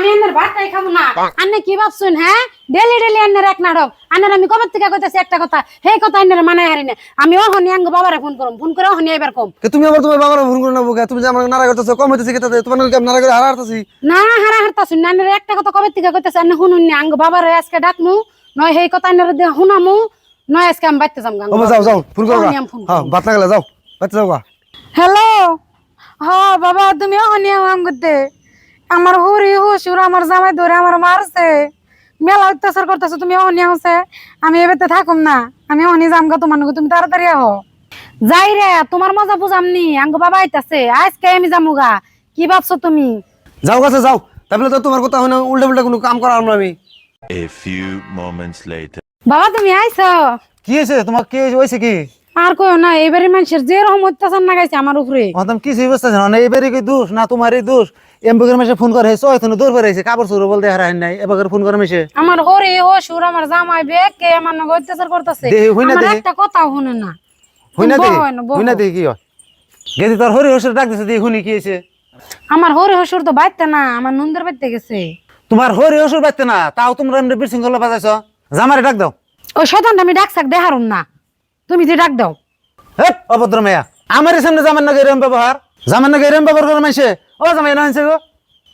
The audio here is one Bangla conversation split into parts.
আমি আন্নার ভাতটাই খাবো না। আন্নে কি ভাবছুন? হ্যাঁ, ডেলি ডেলি আন্নার এক নাটক। আন্নার আমি কবে থেকে কইতাছি একটা কথা, সেই কথা আন্নার মানায় হারি না। আমি ওহনি আঙ্গ বাবারে ফোন করুম, ফোন করে ওহনি এবার কম। তুমি আবার তোমার বাবার ফোন করে নেবো তুমি যে আমার নারা করতেছো কম হইতেছে কেতাতে তোমার নারা করে হারা হারতাছি না হারা হারতাছুন না। আন্নার একটা কথা কবে থেকে কইতাছি, আন্নে শুনুন না। আঙ্গ বাবারে আজকে ডাকমু, নয় সেই কথা আন্নার শুনামু, নয় আজকে আমি বাইতে যাম। ও যাও যাও ফোন করো হ্যাঁ বাত লাগালে যাও বাইতে যাও গা। হ্যালো, হ্যাঁ বাবা, তুমি ওহনি আমগতে আমার হুরি হুসুর আমার জামাই ধরে আমার মারছে, মেলা অত্যাচার করতেছো। তুমি অহনি হচ্ছে, আমি এবারে থাকুম না, আমি অহনি যামগা তোমার নগে। তুমি তাড়াতাড়ি আহ। যাই রে, তোমার মজা বুঝামনি। আঙ্গ বাবা আইতাছে, আজকে আমি যামুগা। কি ভাবছো তুমি? যাও কাছে যাও, তাহলে তো তোমার কথা হয় না, উল্টা উল্টা কোনো কাম করা আমরা আমি। A few moments later. বাবা তুমি আইছো? কি হয়েছে তোমার, কি হয়েছে কি? আর কইও না, এবারে মানুষের যে রকম অত্যাচার নাগাইছে আমার উপরে। তুমি কিছু বুঝতে না, এবারে কি দোষ না তোমারই দোষ? এমবগের মাসে ফোন করে হেছো এতনো দূর করে আইছে, কাপড় চোর বলতে হারা নাই, এবারে ফোন করে মেশে আমার হরি হুসুর আমার জামাই বেকে আমার নগে অত্যাচার করতেছে। আমার একটা কথাও শুনে না। হইনা দে কি হয় গেদি তোর হরি হসুর ডাক দিছে, শুনি কি হয়েছে? আমার হরি হুসুর তো বাইতে না, আমার নন্দের বাইতে গেছে। তোমার হরি হসুর বাইতে না, তাও তোমরা এমনি বিশৃঙ্খলা বাজাইছ। জামারে ডাক দাও। ওই শয়তানটা আমি ডাকছাক দেখারুম না, তুমি যে ডাক দাও। হে অভদ্র মেয়া, আমার সামনে জামার নাকি এরম ব্যবহার, জামার নাকি এরম ব্যবহার করে মাইছে। ও জামাই না আনছে গো।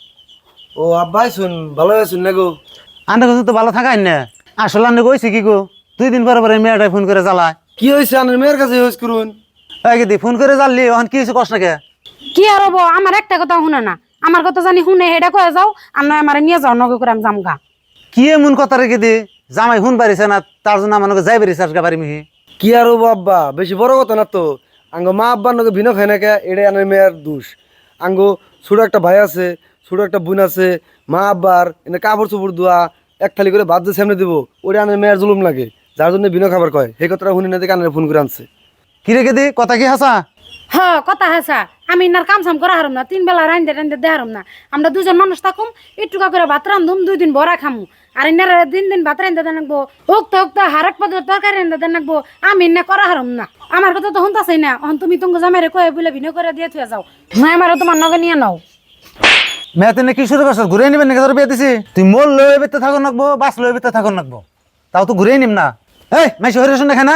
ও আব্বাই শুন ভালো আছেন না গো? আন্না কথা তো ভালো থাকাই না। আসলে আন্না কইছে কি গো, 2 দিন পরে পরে মেয়েটাই ফোন করে জ্বালায়। কি হয়েছে আনের মেয়ের কাছে হয়েছে করুন? দি ফোন করে জ্বাললি, ওখান কি হয়েছে কষ্ট নাকি? কি আর হবো, আমার একটা কথা শুনে না। আমার কথা জানি শুনে হেডা কয়ে যাও, আর নয় আমার নিয়ে যাও নগে করে আমি জামগা। কি এমন কথা রেখে দি, জামাই শুন পারিছে না, তার জন্য আমার যাই পারিছে আজকে পারি মিহি। কি আর হবো আব্বা, বেশি বড় কথা না তো। আঙ্গ মা আব্বার নকে ভিন্ন খায় না কে, এটাই আনের মেয়ের দোষ। আঙ্গ ছোট একটা ভাই আছে, ছোট একটা বোন আছে, মা আব্বার এনে কাপড় চোপড় ধোয়া এক থালি করে ভাত দিয়ে সামনে দেবো, ওটা আনের মেয়ের জুলুম লাগে, যার জন্য ভিন্ন খাবার কয়। সেই কথাটা শুনি না দেখে আনের ফোন করে আনছে। কি রেখে দি, কথা কি হাসা? হ কথা হাসা, আমি ইনার কাম সাম করা হারুম না, 3 বেলা রান্ধে রান্ধে দেহারুম না। আমরা 2 জন মানুষ থাকুম, একটুকা করে ভাত রান্ধুম, 2 দিন বড়া খামু। আর ইনার দিন দিন ভাত রান্ধে দেন রাখবো, হোক তো হারাক পদের তরকারি রান্ধে দেন রাখবো। আমি ইন্না করা হারুম না। আমার কথা তো শুনতাছই না। এখন তুমি তোমাকে জামাইরে কয়ে বলে ভিন্ন করে দিয়ে থুয়ে যাও, নয় আমারও তোমার নগে নিয়ে নাও। মেয়ে তেনে কি শুরু করছ, ঘুরে নিবেন নাকি? তোর বিয়ে দিছি, তুই মোল লয়ে বেতে থাকো নাকবো, বাস লয়ে বেতে থাকো নাকবো, তাও তো ঘুরে নিম না। এই মাইসি হরে শুনে খানা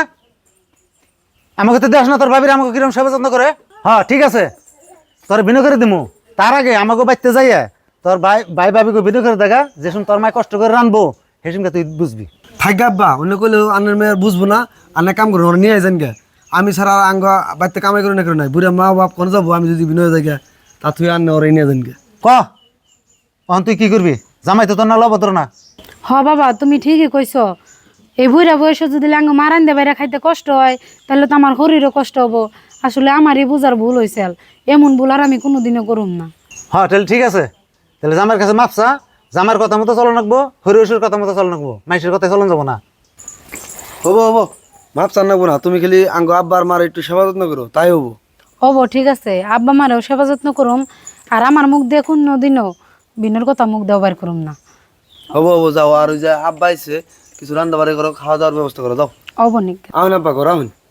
আমাকে তো দেখ না, তোর ভাবির আমাকে কিরম সেবা যত্ন করে। হ্যাঁ ঠিক আছে, তোর বিনয় করে দিমু। তার আগে আমাকে বাইতে যাইয়া তোর ভাই ভাবিকে বিনয় করে দেখা, যে শুন তোর মায় কষ্ট করে রানবো, হেসুমকে তুই বুঝবি। থাক আব্বা, অন্য কইলে আনের মেয়ের বুঝবো না, আনে কাম করবো, ওরা নিয়ে যান গে। আমি ছাড়া আঙ্গ বাড়িতে কামাই করে না করে নাই, বুড়া মা বাপ কোন যাবো, আমি যদি বিনয় যাই গে, তা তুই আনে ওরাই নিয়ে যান গে। ক অহন তুই কি করবি? জামাই তো তোর না লবদ্র না। হ বাবা তুমি ঠিকই কইছো। এই বুড়া বয়সে যদি লাঙ্গ মারান দে বাইরে খাইতে কষ্ট হয়, তাহলে তো আমার শরীরও কষ্ট হবো। আসলে আমারই বুঝার ভুল হয়েছে, এমন ভুল আর আমি কোনোদিনও করুম না। হ্যাঁ তাহলে ঠিক আছে, তাহলে জামার কাছে মাপসা, জামার কথা মতো চলো নাকবো, হরিহসুর কথা মতো চলো নাকবো, মাইসের কথায় চলন যাবো না। হবো হবো, মাপ চান নাকবো না, তুমি খালি আঙ্গ আব্বার মার একটু সেবা যত্ন করো, তাই হবো। হবো ঠিক আছে, আব্বা মারেও সেবা যত্ন করুম, আর আমার মুখ দিয়ে কোনোদিনও বিনোর কথা মুখ দেওয়া বার করুম না। হবো হবো, যাও। আর ওই যে আব্বা আইছে, কিছু রান্না বাড়ি করো, খাওয়া দাওয়ার ব্যবস্থা করো, যাও। হবো নাকি? আমিন আব্বা করো, আমিন।